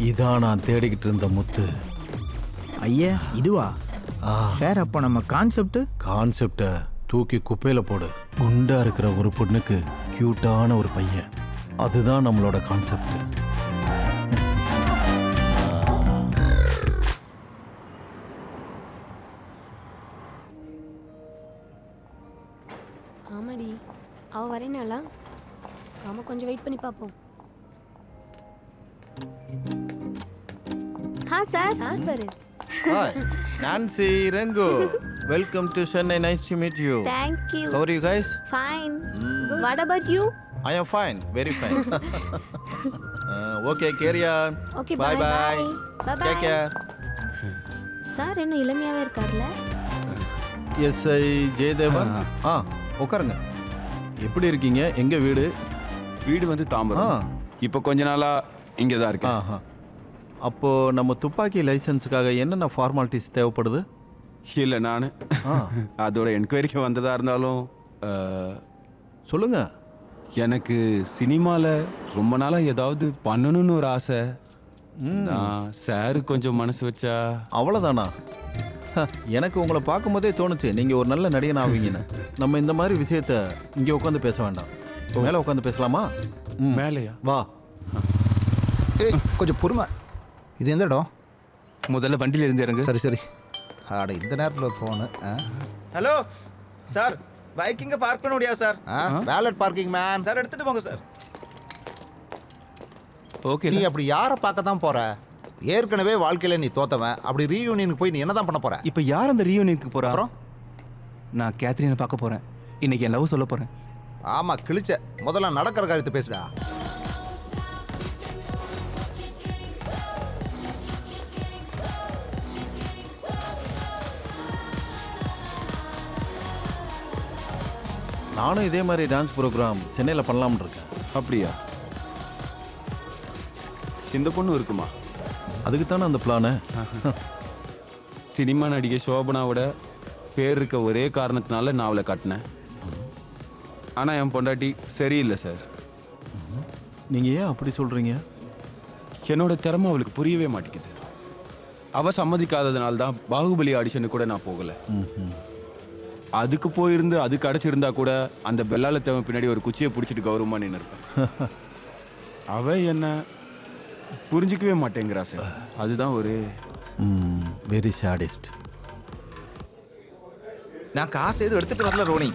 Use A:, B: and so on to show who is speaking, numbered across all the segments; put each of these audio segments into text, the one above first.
A: இதான் நான் தேடிக்கிட்டு இருந்த முத்து.
B: ஐயா இதுவா சார்? அப்போ நம்ம
A: கான்செப்டை தூக்கி குப்பையில போடு. குண்டா இருக்கிற ஒரு பொண்ணுக்கு கியூட்டான ஒரு பையன், அதுதான் நம்மளோட கான்செப்ட்.
C: ஆமாடி, அவ வரேனாளா? ஆமா, கொஞ்சம் வெயிட் பண்ணி பார்ப்போம். சார் பாரு.
A: Hi, Nancy Rengo. Welcome to Chennai. Nice to meet you.
C: Thank you.
A: How are you guys?
C: Fine. Good. What about you?
A: I am fine, very fine. Okay, carry on.
C: Okay,
A: bye bye.
C: Bye bye.
A: Take care.
C: Sir இன்னும் இளமையாவே இருக்கார்ல?
A: SI Jayadevan. உட்காருங்க. எப்படி இருக்கீங்க? எங்க வீடு?
D: வீடு வந்து தாம்பரம். இப்போ கொஞ்ச நாளா இங்கே தான் இருக்கேன்.
A: அப்போ நம்ம துப்பாக்கி லைசன்ஸுக்காக என்னென்ன ஃபார்மாலிட்டிஸ் தேவைப்படுது?
D: இல்லை, நான் அதோட என்கொயரிக்கு வந்ததாக இருந்தாலும்
A: சொல்லுங்க.
D: எனக்கு சினிமாவில் ரொம்ப நாளாக ஏதாவது பண்ணணும்னு ஒரு ஆசை. சார் கொஞ்சம் மனசு வச்சா.
A: அவ்வளோதானா? எனக்கு உங்களை பார்க்கும்போதே தோணுச்சு நீங்கள் ஒரு நல்ல நடிகன் ஆவீங்கன்னு. நம்ம இந்த மாதிரி விஷயத்த இங்கே உட்காந்து பேச வேண்டாம், மேலே உட்காந்து பேசலாமா?
D: மேலேயா?
A: வா.
E: கொஞ்சம் பொறுமை. இது எந்த இடம்?
D: முதல்ல வண்டியில் இருந்து இறங்கு.
E: சரி சரி. ஆட இந்த நேரத்தில் ஒரு ஃபோனு.
F: ஹலோ சார், பைக் இங்கே பார்க் பண்ண முடியாது sir.
E: Valet parking man.
F: Sir எடுத்துகிட்டு போங்க சார்.
D: ஓகே.
E: நீ அப்படி யாரை பார்க்க தான் போற? ஏற்கனவே வாழ்க்கையில் நீ தோத்தவன். அப்படி ரீயூனியனுக்கு போய் நீ என்ன தான் பண்ண போற?
D: இப்போ யார் அந்த ரீயூனியனுக்கு போகிறா? அப்புறம் நான் கேத்ரினை பார்க்க போகிறேன். இன்னைக்கு என் லவ் சொல்ல போகிறேன்.
E: ஆமாம், கிழிச்ச. முதல்ல நடக்கிற காரியத்தை பேசுடா.
A: நானும் இதே மாதிரி டான்ஸ் ப்ரோக்ராம் சென்னையில் பண்ணலாம்னு இருக்கேன்.
D: அப்படியா? இந்த பொண்ணு இருக்குமா?
A: அதுக்கு தானே அந்த பிளானு.
D: சினிமா நடிகை சோபனாவோட பேர் இருக்க ஒரே காரணத்தினால நான் அவளை காட்டினேன். ஆனால் என் பொண்டாட்டி சரியில்லை சார்.
A: நீங்கள் ஏன் அப்படி சொல்கிறீங்க?
D: என்னோட திறமை அவளுக்கு புரியவே மாட்டேங்குது. அவள் சம்மதிக்காததுனால தான் பாகுபலி ஆடிஷனுக்கு கூட நான் போகலை. அதுக்கு போயிருந்து அது கிடச்சிருந்தா கூட அந்த பெல்லால தேவை பின்னாடி ஒரு குச்சியை பிடிச்சிட்டு கௌரவமாக நின்று இருப்பேன். அவ என்ன புரிஞ்சிக்கவே மாட்டேங்கிறா சார். அதுதான் ஒரு
A: வெரி சாடிஸ்ட்.
F: நான் காசு எதுவும் எடுத்துட்டு வரல ரோனி.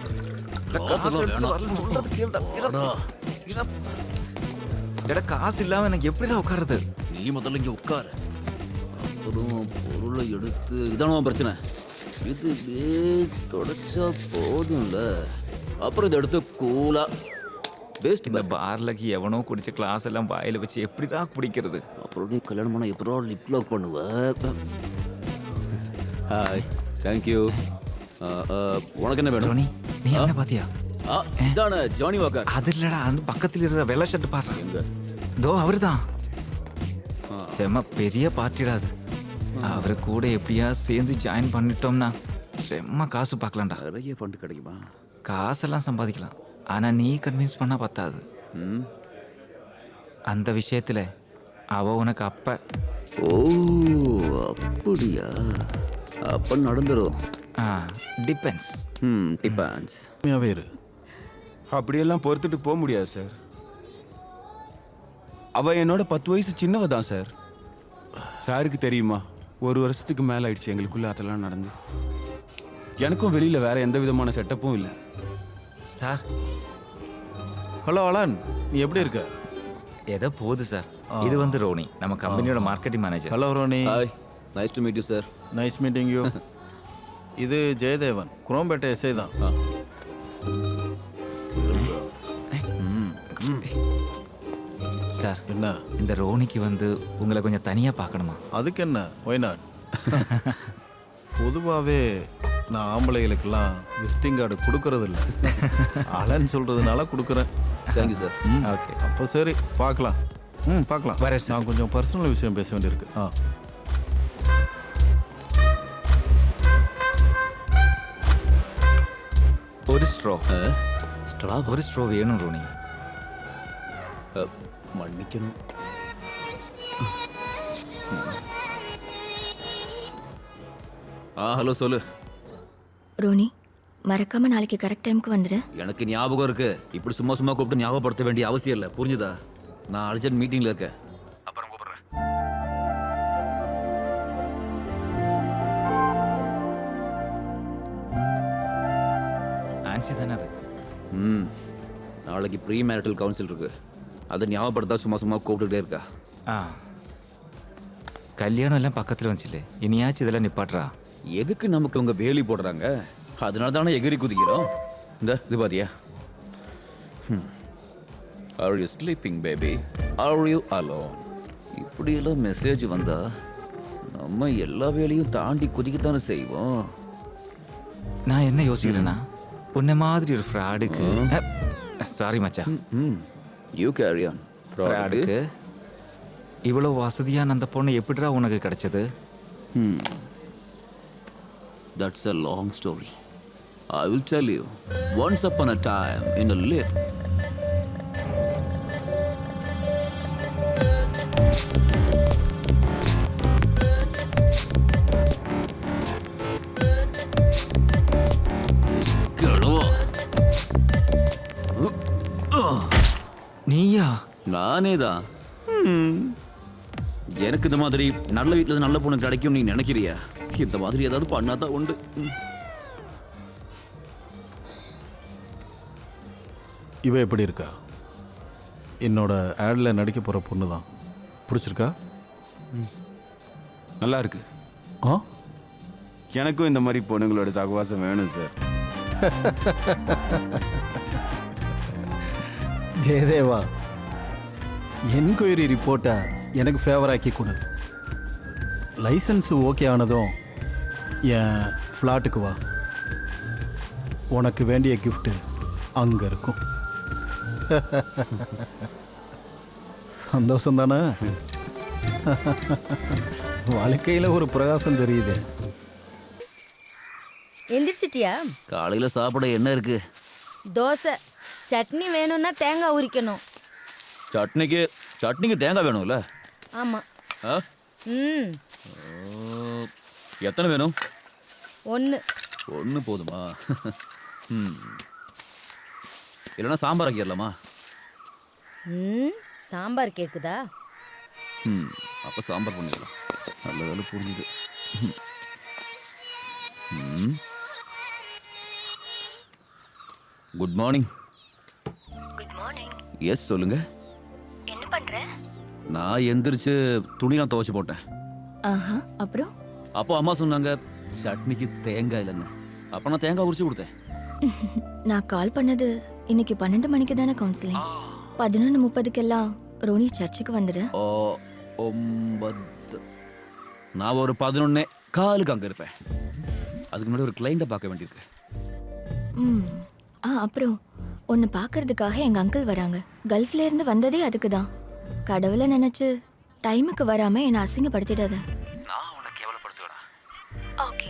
F: காசு இல்லாம எனக்கு எப்படிடா உட்காருது?
G: நீ முதல்ல இங்கே உட்காரு. அப்புறம் பொருளை எடுத்து இதான பிரச்சனை. இது தொடச்சா போதும்ல. அப்புறம் இதை எடுத்து கூலா வேஸ்ட்.
F: இந்த பார்லக்கு எவனோ குடிச்ச கிளாஸ் எல்லாம் வாயில வச்சு எப்படிதான் குடிக்கிறது?
G: அப்புறம் நீ கல்யாணம் பண்ண எப்போ லிப் லாக் பண்ணுவ? Hi, thank you. உனக்கு என்ன வேணும்?
F: நீ என்ன பாத்தியா?
G: இதான ஜானி வாக்கர்.
F: அது இல்லடா, அந்த பக்கத்தில் இருக்கிற வெள்ளை ஷர்ட் பாரு. எங்க? தோ அவருதான். செம்ம பெரிய பார்ட்டிடா அது. அவரை கூட எப்படியா சேர்ந்து ஜாயின் பண்ணிட்டோம்னா செம்ம காசு பார்க்கலாம்டா.
G: நிறைய ஃபண்ட் கிடைக்குமா?
F: காசெல்லாம் சம்பாதிக்கலாம். ஆனால் நீ கன்வின்ஸ் பண்ணால் பத்தாது. அந்த விஷயத்தில் அவ உனக்கு அப்ப.
G: ஓ அப்படியா? அப்போ நடந்துடும்.
F: டிபெண்ட்ஸ்.
G: டிபெண்ட்ஸ்.
A: வேறு
D: அப்படியெல்லாம் பொறுத்துட்டு போக முடியாது சார். அவள் என்னோட 10 வயசு சின்னவ தான் சார். சாருக்கு தெரியுமா? 1 வருஷத்துக்கு மேலே ஆயிடுச்சு எங்களுக்குள்ள அதெல்லாம் நடந்து. எனக்கும் வெளியில் வேற எந்த விதமான செட்டப்பும் இல்லை
F: சார்.
A: ஹலோ அலன், நீ எப்படி இருக்க?
F: ஏதோ போகுது சார். இது வந்து ரோனி, நம்ம கம்பெனியோட marketing manager.
A: Hello Ronnie.
G: Hi, nice to meet you sir.
A: Nice meeting you. இது ஜெயதேவன், குரோம்பேட்டை எஸ்ஐ தான்.
F: சார்,
A: என்ன
F: இந்த ரோனிக்கு வந்து உங்களை கொஞ்சம் தனியாக பார்க்கணுமா?
A: அதுக்கு என்ன, ஒய் நாட். பொதுவாகவே நான் ஆம்பளைகளுக்கெல்லாம் விசிட்டிங் கார்டு கொடுக்கறது இல்லை. அலன் சொல்கிறதுனால கொடுக்குறேன்.
G: Thank you sir.
F: ஓகே,
A: அப்போ சரி, பார்க்கலாம். பார்க்கலாம்.
F: வரேன் சார்.
A: நான் கொஞ்சம் பர்சனல் விஷயம் பேச வேண்டியிருக்கு.
F: ஒரு ஸ்ட்ரோ. ஒரு ஸ்ட்ரோ வேணும் ரோனி.
G: மன்னிக்கணும். ஹலோ சொல்லு.
H: ரோனி மறக்காம நாளைக்கு கரெக்ட் டைமுக்கு வந்துடு.
G: எனக்கு ஞாபகம் இருக்கு. இப்படி சும்மா சும்மா கூப்பிட்டு ஞாபகப்படுத்த வேண்டிய அவசியம் இல்லை, புரிஞ்சுதா? நான் அர்ஜென்ட் மீட்டிங்ல இருக்கேன். அப்புறம் கூப்பிடுறேன்.
F: ஆன்சி தானே அது?
G: நாளைக்கு ப்ரீ மேரிட்டல் கவுன்சில் இருக்கு. அதை ஞாபகப்படுத்தா சும்மா சும்மா கூப்பிட்டுட்டே இருக்கா.
F: ஆ, கல்யாணம் எல்லாம் பக்கத்தில் வந்துச்சுலே, இனியாச்சும் இதெல்லாம் நிப்பாட்றா.
G: எதுக்கு நமக்கு அவங்க வேலி போடுறாங்க? அதனால தானே எகிரி குதிக்கிறோம். இந்த இது பாத்தியா? Are you sleeping baby? Are you alone? இப்படியெல்லாம் மெசேஜ் வந்தா நம்ம எல்லா வேலையும் தாண்டி குதிக்கத்தானே செய்வோம்.
F: நான் என்ன யோசிக்கிறேன்னா, உன்ன மாதிரி ஒரு ஃப்ராடுக்கு, சாரி மச்சான்,
G: யூ கேரி ஆன்.
F: ஃப்ராடுக்கு இவ்வளோ வசதியான அந்த பொண்ணு எப்படிடா உனக்கு கிடைச்சது?
G: That's a long story. I will tell you. Once upon a time in a lift.
F: நீயா?
G: நானே தான். எனக்கு இந்த மாதிரி நல்ல வீட்டில் நல்ல பொண்ணு கிடைக்கும் நீ நினைக்கிறியா? இந்த மாதிரி ஏதாவது பண்ணாதான் உண்டு.
A: இவ எப்படி இருக்கா? என்னோட ஆடில் நடிக்க போகிற பொண்ணு தான். பிடிச்சிருக்கா?
D: நல்லா இருக்கு.
A: ஆ,
D: எனக்கும் இந்த மாதிரி பொண்ணுங்களோட சகவாசம் வேணும் சார்.
A: ஜெயதேவா, என்கொயரி ரிப்போர்ட்டை எனக்கு ஃபேவர் ஆக்கி கொடு. லைசன்ஸு ஓகே ஆனதும் என் ஃப்ளாட்டுக்கு வா. உனக்கு வேண்டிய கிஃப்ட்டு அங்கே இருக்கும். சந்தோஷம் தானே? வாழ்க்கையில் ஒரு பிரகாசம் தெரியுது.
I: எந்திரிச்சிட்டியா?
G: காலையில் சாப்பிட என்ன இருக்கு?
I: தோசை. சட்னி வேணும்னா தேங்காய் உரிக்கணும்.
G: சட்னிக்கு தேங்காய் வேணும்ல?
I: ஆமாம்.
G: ஆ? எத்தனை வேணும்?
I: 1.
G: 1 போதுமா? இல்லைன்னா சாம்பார் ஆக்கிடலாமா?
I: சாம்பார் கேக்குதா?
G: அப்போ சாம்பார் பண்ணிக்கலாம். நல்ல வேலை புரிஞ்சுது. Good morning.
H: Good morning.
G: Yes சொல்லுங்க.
H: என்ன பண்ற?
G: நான் எந்திரிச்சு துணிலாம் துவைச்சு போட்டேன்.
H: ஆஹா, அப்புறம்?
G: அப்போ அம்மா சொன்னாங்க சட்னிக்கு தேங்காய் இல்லைன்னு. அப்போ நான் தேங்காய் உரிச்சு கொடுத்தேன்.
H: நான் கால் பண்ணது இன்னைக்கு 12 மணிக்கு தானே கவுன்சிலிங். 11:30க்கெல்லாம் ரோனி சர்ச்சுக்கு வந்துடு.
G: 9. நான் ஒரு 11:15 அங்கே இருப்பேன். அதுக்கு முன்னாடி ஒரு கிளைண்ட்டை பார்க்க வேண்டியிருக்கு.
H: அப்புறம் உன்னை பார்க்கறதுக்காக எங்கள் அங்கிள் வராங்க. கல்ஃப்ல இருந்து வந்ததே அதுக்கு தான். கடவுளை நினச்சி டைமுக்கு வராமல் என்னை அசிங்கப்படுத்திடாத.
G: நான் உன்னை கேவலப்படுத்துவேடா.
H: ஓகே.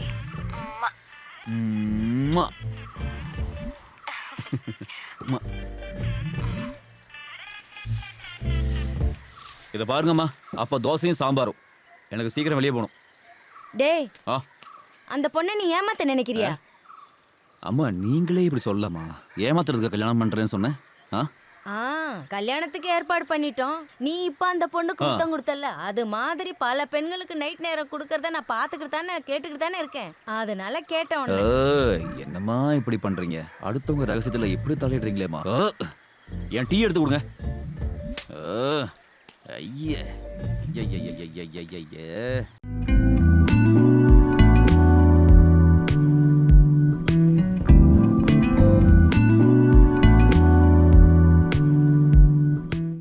G: இதை பாருங்கம்மா, அப்போ தோசையும் சாம்பாரும். எனக்கு சீக்கிரம் வெளியே போகணும்.
I: டேய்,
G: ஆ,
I: அந்த பொண்ணை நீ ஏமாத்த நினைக்கிறியா?
G: அம்மா நீங்களே இப்படி சொல்லலாமா? ஏமாத்துறதுக்கு கல்யாணம் பண்ணுறேன்னு சொன்னேன்.
I: கல்யாணத்துக்கு ஏற்பாடு பண்ணிட்டோம். நீ இப்போ அந்த பொண்ணுக்கு முத்தம் கொடுத்தல, அது மாதிரி பல பெண்களுக்கு நைட் நேரம் கொடுக்கறத நான் பார்த்துக்கிட்டு தானே கேட்டுக்கிட்டு தானே இருக்கேன். அதனால கேட்டேன்.
G: என்னம்மா இப்படி பண்றீங்க? அடுத்தவங்க ரகசியத்தில் இப்படி தலையிடுறீங்களேம்மா. என் டீ எடுத்து கொடுங்க. ஐயே ஐயே